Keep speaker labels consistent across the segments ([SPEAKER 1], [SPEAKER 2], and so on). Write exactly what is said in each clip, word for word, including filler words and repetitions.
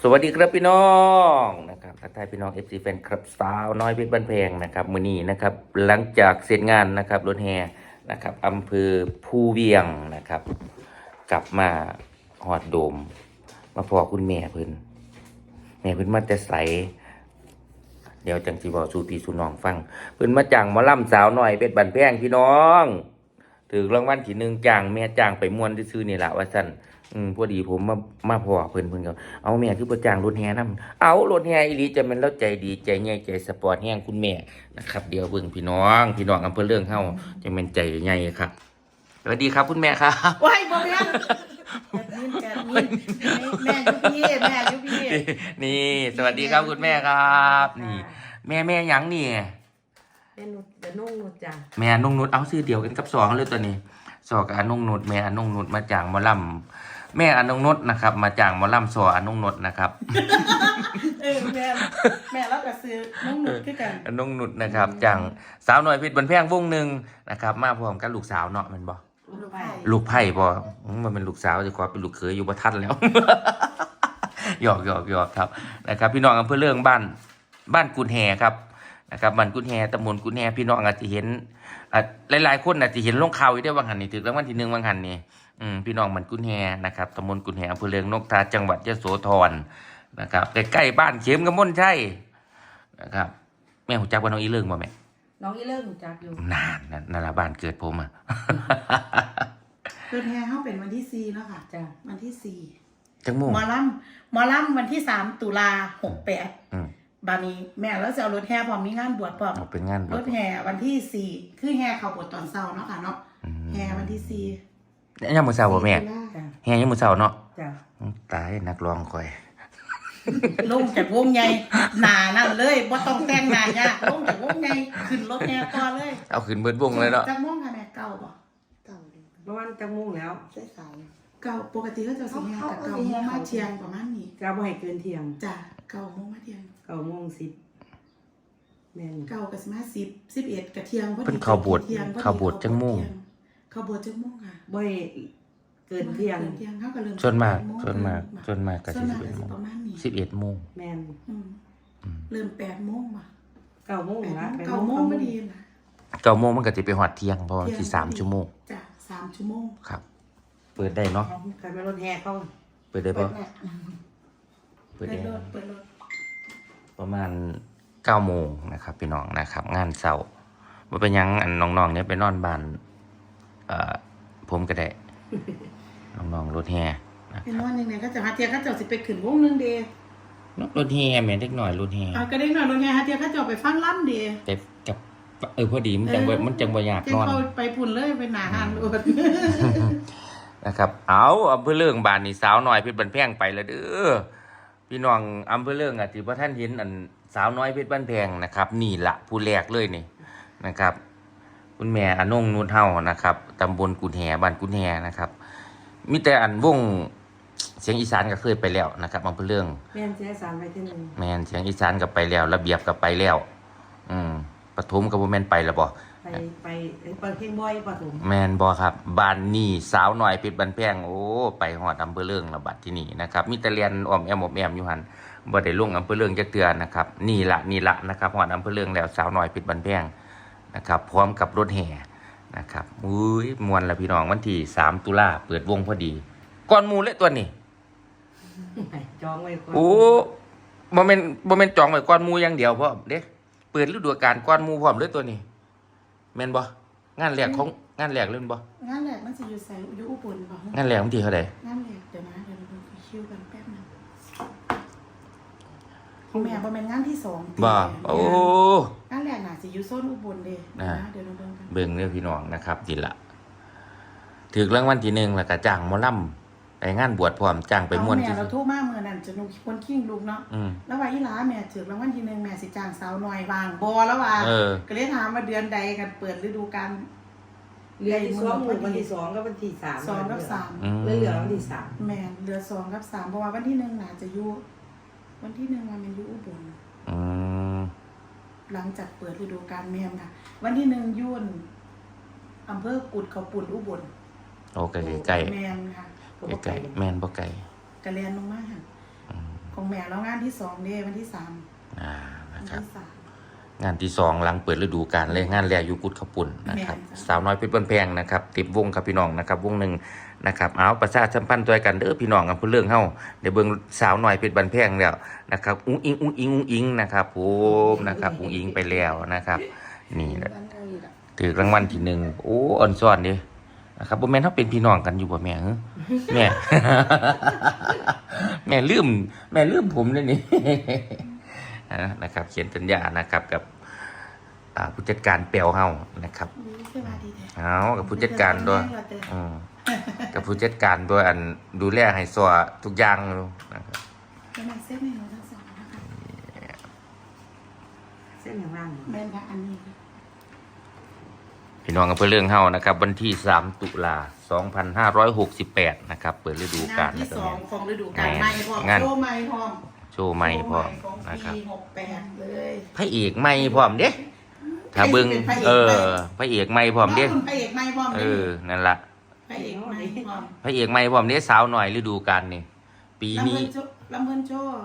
[SPEAKER 1] สวัสดีครับพี่น้องนะครับทักทายพี่น้อง เอฟ ซี แฟนคลับสาวน้อยเพชรบ้านแพงนะครับมื้อนี้นะครับหลังจากเสร็จงานนะครับรถแห่นะครับอำเภอภูเวียงนะครับกลับมาหอดโดมมาพอคุณแม่เพิ่นแม่เพิ่นมาแต่ใสเดี๋ยวจังสิบอกสู่พี่สู่น้องฟังเพิ่นมาจ้างหมอลำสาวน้อยเพชรบ้านแพงพี่น้องถือรางวัลที่หนึ่งจ้างแม่จ้างไปม่วนซื่อๆนี่ล่ะว่าซั่นอืมพอดีผมมามาพอเพิ่นเพิ่นก็เอาแม่คือบ่จ้างรถแห่นำเอารถแห่อีหลีจะแม่นแล้วใจดีใจใหญ่ใจสปอร์ตแฮงคุณแม่นะครับเดี๋ยวเบิ่งพี่น้องพี่น้องอำเภอเรื่องเฮาจะแม่นใจใหญ่ครับสวัสดีครับคุณแม่ครับ
[SPEAKER 2] ว้ายบ่แม่นแจกมินแจกมินแม่ยุพี่แม่ยุพี่
[SPEAKER 1] นี่สวัสดีครับคุณแม่ครับนี่แม่แม่หยังนี่
[SPEAKER 2] แม่นุชจะนุ่งนุชจ้ะ
[SPEAKER 1] แม่อนงนุชเอาซื้อเดียวกันกับสองเลยตัวนี้สอกับอนงนุชแม่อนงนุชมาจากหมอลำแม่อนงนุชนะครับมาจากหมอลำสออนงนุชนะครับ
[SPEAKER 2] เออแม่แม่แล้วก็ซื้อนุ่งนุชคือกัน
[SPEAKER 1] อนงนุชนะครับจากสาวหน่อยเพชรบันแพงวงหนึ่งนะครับมาพร้อมกับลูกสาวเนาะแมันบ่
[SPEAKER 2] ลูกไผ่
[SPEAKER 1] ลูกไผ่บ่อืมมันเป็นลูกสาวจะขอเป็นลูกเขยอยู่บ่ทันแล้ว หยอกหยอกหยอกครับนะครับพี่น้องอำเภอเรื่องบ้านบ้านกุนแฮครับนะครับบ้านกุนแฮตำบลกุนแฮพี่น้องอาจจะเห็นอ่ะหลายๆคนอาจจะเห็นลงข่าวอยู่ได้บางหันนี่ถึงรางวัลที่หนึ่งบางหันนี่อืมพี่น้องบ้านกุนแฮนะครับตำบลกุนแฮอำเภอเรืองนกทาจังหวัดยโสธรนะครับใกล้ๆบ้านเข็มกำมลใช่นะครับแม่หูจักว่าน้องอีเรื่องบ่แม่
[SPEAKER 2] น้องอีเลิกรู้จักอยู่
[SPEAKER 1] นานนั่นนั่นละบ้านเกิดผมอ่ะ
[SPEAKER 3] คือแท้เขาเป็นวันที่สี่แล้วค่ะ
[SPEAKER 2] จ้ะ
[SPEAKER 3] วันที่สี่
[SPEAKER 1] จังมุ่ง
[SPEAKER 3] หมอลำหมอลำวันที่สามตุลาหกแปด
[SPEAKER 1] อืม
[SPEAKER 3] บานี้แม่แล้วจะเอารถแห่พร้อมมีงานบวชพร้อม
[SPEAKER 1] เอาเป็นงานบ
[SPEAKER 3] ร
[SPEAKER 1] วช
[SPEAKER 3] ถแห่วันที่สี่คือแห่เขาบวชตอนเช้าเนาะค่ะเนาะ
[SPEAKER 1] อืม
[SPEAKER 3] แห่วันที่สี่
[SPEAKER 1] ยังมือเสาบ่แม่
[SPEAKER 3] ตุลา
[SPEAKER 2] จ้ะ
[SPEAKER 1] แฮยังมือเสาเนาะ
[SPEAKER 2] จ้ะ
[SPEAKER 1] ตายนักร้องคอย
[SPEAKER 3] ลงจากวงใหญ่หนานั่นเลยบ่ต้องแต่งหน้ายากลงจากวงใหญ่ขึ้นรถแห่ต่อเลย
[SPEAKER 1] เอาขึ้นเบิดวงเลยเนาะ
[SPEAKER 3] จักม่วงค่ะแม่เก่าบ่เก่าดี
[SPEAKER 2] ประมาณจังมุ่งแล้ว
[SPEAKER 3] ใช่สายเก่าปกติก็จะสิแห่แต่เก่าโมงมาเที่ยงประมาณนี้
[SPEAKER 2] จะบ่ให้เกินเที่ยง
[SPEAKER 3] จ้ะเก่าโมงมาเที่ยง
[SPEAKER 2] เก้าโมงสิบแม่น
[SPEAKER 3] เก่ากับสิมาสิบสิบเอ็ดกระเทียมพอดี
[SPEAKER 1] เพิ่นเข้าบวช
[SPEAKER 3] ที่ยงพอดี
[SPEAKER 1] เข้าบวชจังมุ่ง
[SPEAKER 3] เข้าบวชจังมุ่งค่ะ
[SPEAKER 2] บ่ให้เกินเที่ยง
[SPEAKER 3] เกินเที่ยงเขาก็เริ่ม
[SPEAKER 1] ส่วนมาก
[SPEAKER 3] แปดโง
[SPEAKER 1] ส่วนมาก
[SPEAKER 3] เริ่
[SPEAKER 1] ส่วนมากก็
[SPEAKER 3] ส่
[SPEAKER 1] สิ
[SPEAKER 3] วน
[SPEAKER 1] บ
[SPEAKER 3] มาก
[SPEAKER 1] เอ็ด
[SPEAKER 3] ก็
[SPEAKER 1] โมง
[SPEAKER 3] สิประมาณนี้
[SPEAKER 1] สิบเอ็ดโมง
[SPEAKER 2] แม่น
[SPEAKER 3] อืม
[SPEAKER 1] อืม
[SPEAKER 3] เริ่มแปดโมงว่ะ
[SPEAKER 2] เก้าโมง
[SPEAKER 3] แปด
[SPEAKER 2] ละ
[SPEAKER 3] โมงเก้าโมงพอดีนะ
[SPEAKER 1] เก้าโมงมันก็จะไปหอดเที่ยงเพราะว่าที่สามชั่วโมง
[SPEAKER 3] จ้ะสามชั่วโมง
[SPEAKER 1] ครับ เปิดได้เนาะ
[SPEAKER 2] ใครมารถแห่เข้า
[SPEAKER 1] เปิดได้
[SPEAKER 3] เปิ
[SPEAKER 1] ปะ
[SPEAKER 3] ดแหละ
[SPEAKER 1] เปิ
[SPEAKER 3] เปิ
[SPEAKER 1] ด
[SPEAKER 3] ด
[SPEAKER 1] ได้
[SPEAKER 3] รถเปิดรถ
[SPEAKER 1] ประมาณเก้าโมงนะครับพี่น้องนะครับ งานเสาร์ว่าเป็นหยังอันน้องๆเนี่ยไปนอนบ้านเอ่อผมก็ได้ น้องๆรถแห่นะ
[SPEAKER 3] เป็น
[SPEAKER 1] ครับ
[SPEAKER 3] วันหนึ่งเนี่ยก็จะหาเทียเขาเจ้าสิไปขึ้นวงหนึงเดย์
[SPEAKER 1] รถแห่แม่นเล็กหน่อยรถแห่
[SPEAKER 3] อ่ะก็ได้หน่อยรถไงฮะเทียเขาเจ้าไปฟังล่ำเดย์
[SPEAKER 1] แต่กับเออพอดีมันจังบ่มันจังบ่อยาก
[SPEAKER 3] เจ้าน
[SPEAKER 1] อน
[SPEAKER 3] เขาไปพุ่นเลยไปหนาหานรถ
[SPEAKER 1] นะครับเอาอำเภอเรื่องบ้านนี่สาวน้อยเพชรบันแพงไปแล้วเด้อพี่น้องอำเภอเรื่องอ่ะที่พระท่านเห็นอันสาวน้อยเพชรบันแพงนะครับนี่ละผู้แรกเลยนี่นะครับ คุณแม่อนงนุชเฮานะครับตำบลกุนแหบ้านกุนแหนะครับมีแต่อันวงเสียงอีสานก็เคยไปแล้วนะครับอำเภอเรื่อง
[SPEAKER 2] แม่นเสียสารไปที่หนึ่ง
[SPEAKER 1] แม่นเสียงอีสานก็ไปแล้ว ระเบียบก็ไปแล้ว อืมปฐมก็บ่แม่นไปแล้วบ่
[SPEAKER 2] ไปไปเปิดเพลงบ่อยปฐม
[SPEAKER 1] แมนบอครับบ้านนี่สาวหน่อยเพชรบันแพงโอ้ไปหอดอำเภอเรื่องระบาดที่นี่นะครับมีแต่เรียนออมแอมออมแอมอยู่หันบ่ได้ลงอำเภอเรื่องจะเตือนนะครับนี่ละนี่ละนะครับหอดอำเภอเรื่องแล้วสาวหน่อยเพชรบันแพงนะครับพร้อมกับรถแห่นะครับอุ้ยมวนละพี่น้องวันที่สามตุลาเปิดวงพอดีก่อนหมูเลยตัวนี้
[SPEAKER 2] จองไว้ก่อน
[SPEAKER 1] โอ้บ่แม่นบ่แม่นจองไว้ก่อนหมูอย่างเดียวพร้อมเด้เปิดฤดูกาลก่อนหมูพร้อมเลยตัวนี้แม่นบ่งานแรกของงานแรกเล่นบ่
[SPEAKER 3] งานแรกมันจะอยู่ใส่อยู่อุบลป่ะ
[SPEAKER 1] งานแรกวันที่เท่าใด
[SPEAKER 3] งานแรกเดี๋ยวนะเดี๋ยวเราดูคิวกันแป๊บนึงของแม่บ่แม่นงานที่สอง
[SPEAKER 1] บ่โอ้
[SPEAKER 3] งานแรกน่ะสิอยู่โซนอุบลเด้
[SPEAKER 1] อ่า
[SPEAKER 3] นะเดี๋ยวเราเบิ่งกัน
[SPEAKER 1] เบิ่งเด้อพี่น้องนะครับดีละถึกรางวัลที่หนึ่งแล้วก็จ้างหมอลำไปงานบวชพร้อมจ้างไปม่วน
[SPEAKER 3] เอาแม่
[SPEAKER 1] ที่
[SPEAKER 3] เราโทรมาเมื่อนั้นจะนุคนขิ้งลูกเนาะ
[SPEAKER 1] อืม
[SPEAKER 3] แล้วว่าอีหลาแม่ถือรางวัลที่หนึ่งแม่สิจ้างสาวน้อยวางบ่แล้วว่า
[SPEAKER 1] เออ
[SPEAKER 3] ก็เลยถามว่าเดือนใดกันเปิดฤดูกาล
[SPEAKER 2] เรือที่สองหมู่วันที่สองก็วันที่สาม
[SPEAKER 3] สองกับสาม
[SPEAKER 1] อืม
[SPEAKER 2] เหลือวันที่สาม
[SPEAKER 3] แม่นเหลือสองกับสามเพราะว่าวันที่หนึ่งน่าจะอยู่วันที่หนึ่งว่ามันอยู่อุบล
[SPEAKER 1] อืม
[SPEAKER 3] หลังจากเปิดฤดูกาลแม่นค่ะ วันที่หนึ่งยุ่นอำเภอกุดเขาปุ่นอุบล
[SPEAKER 1] โอเคไก่
[SPEAKER 3] แม่นค่ะ
[SPEAKER 2] ก็บ่
[SPEAKER 1] ไก่
[SPEAKER 2] ไกล
[SPEAKER 1] แม่นบ่ไก่
[SPEAKER 3] กระเรียนลงมาค่ะ
[SPEAKER 1] อืม
[SPEAKER 2] ของแม่แล้วงานที่สองเด้วันที่สาม
[SPEAKER 1] อ่า
[SPEAKER 2] วั
[SPEAKER 1] นะ
[SPEAKER 2] น
[SPEAKER 1] ครับ
[SPEAKER 2] ที่สาม
[SPEAKER 1] งานที่สองหลังเปิดฤดูกาลเลยงานแรกอยู่กุดขปุ่นนะครับ
[SPEAKER 2] แม่นจ้ะ
[SPEAKER 1] สาวน้อยเพชรบ้านแพงนะครับติดวงครับพี่น้องนะครับวงหนึ่งนะครับเอาประชาสัมพันธ์ตัวกันเด้อพี่น้องกันเพื่อเรื่องเฮาเดี๋ยวเบิ่งสาวน้อยเพชรบ้านแพงแล้วนะครับอุ้งอิงอุ้งอิงอุ้งอิงนะครับผมนะครับอุ้งอิงไปแล้วนะครับ นี่แหละถือรางวัลที่หนึ่งโอ้อ่อนซ้อนดินะครับบ่แม่นเฮาเป็นพี่น้องกันอยู่บ่แม่เอ้อแม่ แม่ลืมแม่ลืมผมเลยนี่ นะครับเขียนสัญญานะครับกับอ่าผู้จัดการเปียวเฮานะครับ
[SPEAKER 2] นี่สวัสดีแท้
[SPEAKER 1] เอากับผู้จัดการด้วยอืมกับผู้จัดการด้วยอันดูแลให้สัวทุกอย่างเลยนะครับ
[SPEAKER 2] เป็นแม่เส้นในหนูทั้งสองนะคะ
[SPEAKER 3] เส้นอย่างล่าง
[SPEAKER 2] แม่นค่ะอันนี้ค่ะ
[SPEAKER 1] พี่น้องกับเพื่อเรื่องเฮานะครับ วันที่สามตุลาสองพันห้าร้อยหกสิบแปดนะครับ เปิดฤดูกาล
[SPEAKER 2] งาน
[SPEAKER 1] นะ
[SPEAKER 2] ที่
[SPEAKER 1] ครับ
[SPEAKER 2] สองของฤดูกาลใหม่พร้อม
[SPEAKER 1] งาน
[SPEAKER 2] โชว์ใหม่พร้อม
[SPEAKER 1] โชว์ใหม่พร้อม
[SPEAKER 2] โชว์ให
[SPEAKER 1] นะครับ
[SPEAKER 2] ของปีหกแปดเลย
[SPEAKER 1] พระเอกใหม่พร้อมเด้ถ้าเบิ่งเออพระเอกใหม่พร้อมเด้
[SPEAKER 2] น้งพระเอกใหม่พร้อม
[SPEAKER 1] เอ
[SPEAKER 2] เด้
[SPEAKER 1] อนั่นล่ะ
[SPEAKER 2] พระเอกใหม่พร้อม
[SPEAKER 1] พระเอกใหม่พร้อมเด้สาวหน่อยฤดูกาลนี่ปี
[SPEAKER 2] ลำ
[SPEAKER 1] นี้
[SPEAKER 2] เพิ่นโชว์ลำเพิ่นโชว์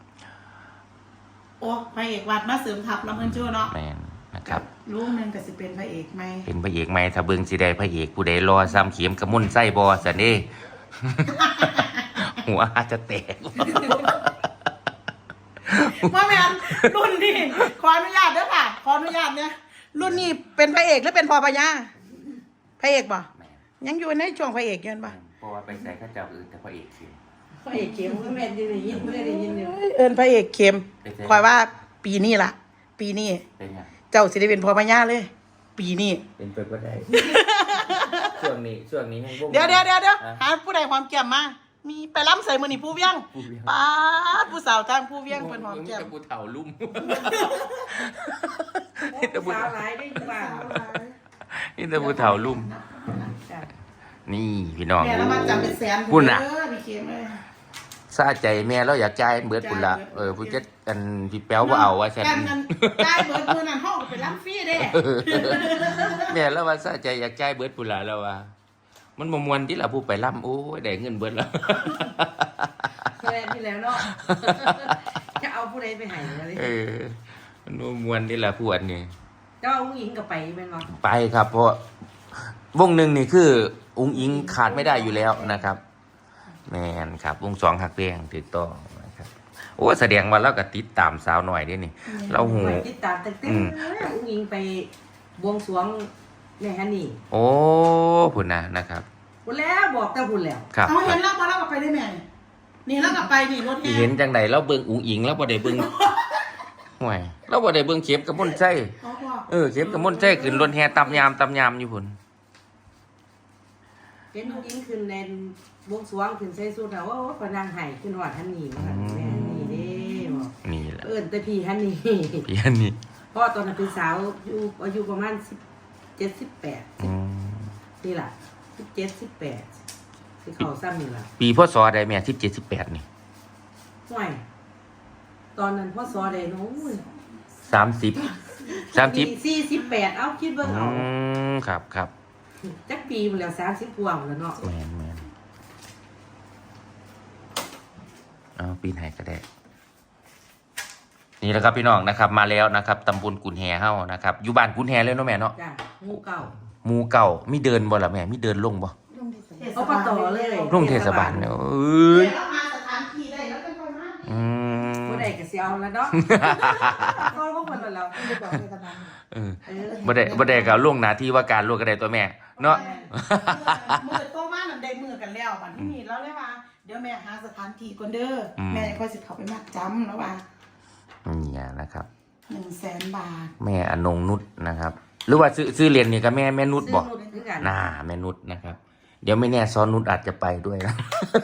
[SPEAKER 2] โอ้พระเอกวัดมาเสริมทัพลำเพิ่นโชว์เนาะ
[SPEAKER 1] แม่นนะครับ
[SPEAKER 2] ลูกหนึงก็สิเป็นพระเอกใหม่
[SPEAKER 1] เป็นพระเอกใหม่ถ้าเบิ่งสิได้พระเอกผู้ใดรอซ้ำเข็มกระมุ่นไส้บอสันเด้ หัวอาจจะแตก
[SPEAKER 2] ว่าแม่นรุ่นนี้ขออนุญาตเด้อค่ะ ขออนุญาตเนี่ยรุ่นนี้เป็นพระเอกหรือเป็นพอพญาพระเอกบ่ยังอยู่ในช่วงพระเอกอยู่นั่นบ่
[SPEAKER 1] เพราะว่าไปใส่ข้าเจ้าอื่นแต่พระเอกเข็ม
[SPEAKER 3] พระเอกเข็มก็แม่นได้ยินไม่ได้ยินเดียว
[SPEAKER 2] เอิ้นพระเอกเข้ม
[SPEAKER 1] เป็นไง
[SPEAKER 2] คอยว่าปีนี้ล่ะ ปีนี้
[SPEAKER 1] เป็นไง
[SPEAKER 2] เจ้าสิได้เป็นพอพญาเลย ปีนี้
[SPEAKER 1] เป็นไปก็ได้ ช่วงนี้ช่วงนี้ให้วง
[SPEAKER 2] เดี๋ยวเดี๋ยวเดี๋ยวเดี๋ยว
[SPEAKER 1] อ่ะ
[SPEAKER 2] หาผู้ใดหอมแก้มมา มีไปล้ำใส่มือนี่ผู้เวียง
[SPEAKER 1] ผู้เวียง
[SPEAKER 2] ป้าดผู้สาวทางผู้เวียงเป็นหอมแก้ม
[SPEAKER 1] แต่ผู้เฒ่าลุ่ม
[SPEAKER 3] สาวหลายได้ทุกบ้าน
[SPEAKER 1] นี่แต่ผู้เฒ่าลุ่ม นี่พี่น้อง
[SPEAKER 2] แม่แล้วมาจำเป็นแสน
[SPEAKER 1] พุ่นน่ะ
[SPEAKER 2] เออพี่เข้มเลย
[SPEAKER 1] ซาใจแม่เราอยากจ่ายเบิดพุ่นละเออผู้จัดอันพี่แป๊วบ่เอาว่าซั่น
[SPEAKER 2] การเงินได้เบิดมือนั่นห้องก็เป็นล้ำฟรีเด้
[SPEAKER 1] แม่แล้วว่าซาใจอยากจ่ายเบิดพุ่นละแล้วว่า มันบ่ม่วนที่ล่ะผู้ไปล่ำโอ้ยได้เงินเบิดแล้ว
[SPEAKER 3] แค่ที่แล้วเนาะจะเอาผู้ใดไปให้เลย
[SPEAKER 1] เออมันบ่ม่วนที่ล่ะผู้อันนี้
[SPEAKER 3] เจ้าผู้หญิงกับไปเป็นบ่
[SPEAKER 1] ไปครับ เพราะวงหนึ่งนี่คืออุ้งอิงขาดไม่ได้อยู่แล้วนะครับ แม่นครับ วงสองหักเรียงถูกต้องนะครับ โอ้แสดงว่าเราก็ติดตามสาวหน่อยเด้นี่ เราหู
[SPEAKER 3] ไปติดตามตั้งแต่ผู้หญิงไปบวงสรวงในฮันนี่
[SPEAKER 1] โอ้พุ่นนะนะครับ
[SPEAKER 3] พุ่นแล้วบอกแต่พุ่นแล้ว
[SPEAKER 1] ครับ
[SPEAKER 2] เอาเห็นแล้วมาแล้วก็ไปได้แม่นี่แล้วก็ไปนี่รถ
[SPEAKER 1] ที่
[SPEAKER 2] แห่
[SPEAKER 1] เห็นจังใดเราเบิ่งอุ้งอิงแล้วบ่ได้เบิ่ง ห่วยเราบ่ได้เบิ่งเข็มกับมนต์ไส้
[SPEAKER 2] เขาบอก
[SPEAKER 1] เออเข็มกับมนต์ไส้ขึ้นรถแห่ตำยามตำยามอยู่พุ่น
[SPEAKER 3] เป็นผู้หญิงขึ้นในบวงสรวงขึ้นใส่สุดแล้วว่าโอ้ปนางไห้ขึ้นหอดฮันนี่ว่าแม่ฮันนี่เด้บอก
[SPEAKER 1] นี่แหละ
[SPEAKER 3] เอิ้นแต่พี่ฮันนี่
[SPEAKER 1] พี่อันนี้
[SPEAKER 3] เพราะตอนนั้นเป็นสาวอยู่อายุประมาณสิบเจ็ดสิบแปด
[SPEAKER 1] อืม
[SPEAKER 3] นี่แหละสิบเจ็ดสิบแปดที่เขาซ้ำนี่แหละ
[SPEAKER 1] ปีพศใดแม่สิบเจ็ด สิบแปดนี่
[SPEAKER 3] ห่วยตอนนั้นพ่อซอได้น้อง
[SPEAKER 1] สามสิบ สามสิบ
[SPEAKER 3] สี่สิบแปดเอาคิดเบิ่ง
[SPEAKER 1] อื
[SPEAKER 3] เอา
[SPEAKER 1] มครับครับ
[SPEAKER 3] จักปีมันแล้วสามสิบกว่าหมดแล้วเนาะ
[SPEAKER 1] แม่นแม่นเอาปีไหนก็ได้ นี่แหละครับพี่น้องนะครับ มาแล้วนะครับตำบลกุนแฮเฮานะครับอยู่บ้านกุนแฮเลยเนาะแม่เนาะ
[SPEAKER 3] จ้ะหมู่เก่า
[SPEAKER 1] หมู่เก่ามีเดินบ่ล่ะแม่มีเดินลงบ่
[SPEAKER 3] เอาปตเลย
[SPEAKER 1] ลงเทศบาลเนาะเอ้ย
[SPEAKER 2] แล้วมาสถานที่ได้แล้วเป็นคนมาก
[SPEAKER 1] อืม
[SPEAKER 3] บ่ได้ก็สิเอาแล้วเนาะก็ของเพิ่นแล้ว
[SPEAKER 2] ไม่บอกเทศบาล
[SPEAKER 1] เออ
[SPEAKER 3] เออ
[SPEAKER 1] บ่ได้บ่ได้ก็เอาลงหน้าที่ว่าการลวกก็ได้ตัวแม่เนาะ
[SPEAKER 2] มือโตมานั่นได้มือกันแล้วบัดที่นี่แล้วเลยว่าเดี๋ยวแม่หาสถานที่ก่อนเด้ออแม่ค่อยสิเข้าไปมัดจำแล้วว่า
[SPEAKER 1] เนี่ยนะครับ
[SPEAKER 2] หนึ่งแสนบาท
[SPEAKER 1] แม่อนงนุชนะครับ หรือว่าซื้อซื้อเรียนนี่ก็แม่แม่นุชบ่
[SPEAKER 3] ซื้อนุ่นคือกัน
[SPEAKER 1] น่าแม่นุชนะครับ เดี๋ยวไม่แน่ซ้อนนุชอาจจะไปด้วยนะ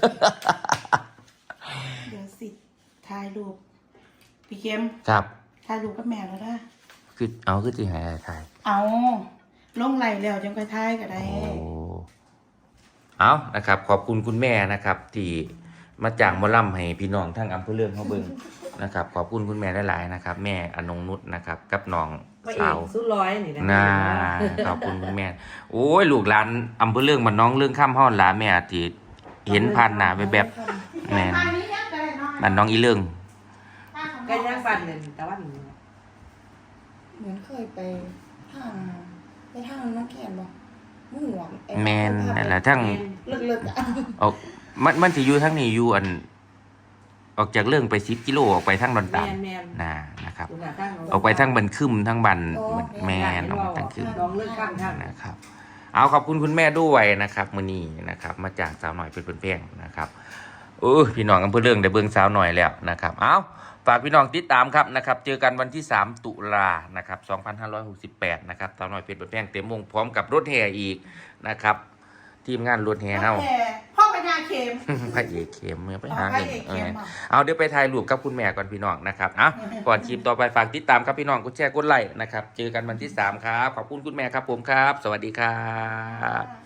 [SPEAKER 2] เดี๋ยวสิถ่ายรูปพี่เข้ม
[SPEAKER 1] ครับ
[SPEAKER 2] ถ่ายรูปกับแม่แล้วนะ
[SPEAKER 1] คือเอาคือสิให้ถ่าย
[SPEAKER 2] เอาลงไหลแล้วจังค่อยถ่ายก็ได้
[SPEAKER 1] โอ้เอานะครับ ขอบคุณคุณแม่นะครับ ที่มาจ้างหมอล่ำให้พี่น้องทั้งอำเภอเรื่องเขาเบิ่งนะครับ ขอบคุณคุณแม่หลายๆนะครับ แม่อนงนุชนะครับ กับน้อง
[SPEAKER 3] พระเอ
[SPEAKER 1] สาก ว
[SPEAKER 3] สุดร้อยนี่นะ
[SPEAKER 1] น่าขอบคุณคุณแม่ โอ้ยลูกหลานอำเภอเรื่องมันน้องเรื่องข้ามห้อนหลาแม่ที่เห็นผ่านหน้าไปแบบแม่น
[SPEAKER 2] ถ่ายนี้ยังก็ได้น้อย
[SPEAKER 1] บ้านน้องอีเลิง
[SPEAKER 3] ก็ย่างบ้านเดินแต่ว่าหนู
[SPEAKER 4] เหมือนเคยไปทางไปทางน้องแคนบ่มุ่งหวง
[SPEAKER 1] แมนนั่นแหละทั้ง
[SPEAKER 4] เลิกๆอ่ะ
[SPEAKER 1] ออกมันมันสิอยู่ทั้งนี้อยู่อัน ออกจากเรื่องไปสิบกิโลออกไปทั้งดอน
[SPEAKER 3] แม
[SPEAKER 1] ตาล
[SPEAKER 3] นแมน
[SPEAKER 1] นะนะครับ
[SPEAKER 3] ดูหน้าตั้ง
[SPEAKER 1] ออกไปทั้งบันคึมทั้งบันแมนออกมาทั้งคึม
[SPEAKER 3] ลองเลือกข้างทาง
[SPEAKER 1] นะครับ เอาขอบคุณคุณแม่ด้วยนะครับมื้อนี้นะครับ มาจากสาวหน่อยเป็นเพื่อนๆนะครับเออพี่น้องอำเภอเรื่องได้เบิ่งสาวหน่อยแล้วนะครับ เอาฝากพี่น้องติดตามครับนะครับ เจอกันวันที่สามตุลานะครับสองพันห้าร้อยหกสิบแปดนะครับสาวหน่อยเป็นเพื่อนๆเต็มวงพร้อมกับรถแห่อีกนะครับ ทีมงานรถแห่เฮา
[SPEAKER 2] พ่อพญาเข็ม
[SPEAKER 1] พระเอกเข้มเมื่อไปหา
[SPEAKER 2] อ๋อพระ
[SPEAKER 1] เงิน
[SPEAKER 2] เอก
[SPEAKER 1] เอ
[SPEAKER 2] เข้ม
[SPEAKER 1] อ
[SPEAKER 2] อ่ะ
[SPEAKER 1] เอาเดี๋ยวไปถ่ายรูปกับคุณแม่ก่อนพี่น้องนะครับเอาก่อนคลิปต่อไปฝากติดตามครับพี่น้องกดแชร์กดไลค์นะครับ เจอกันวันที่สามครับ ขอบคุณคุณแม่ครับผมครับ สวัสดีครับ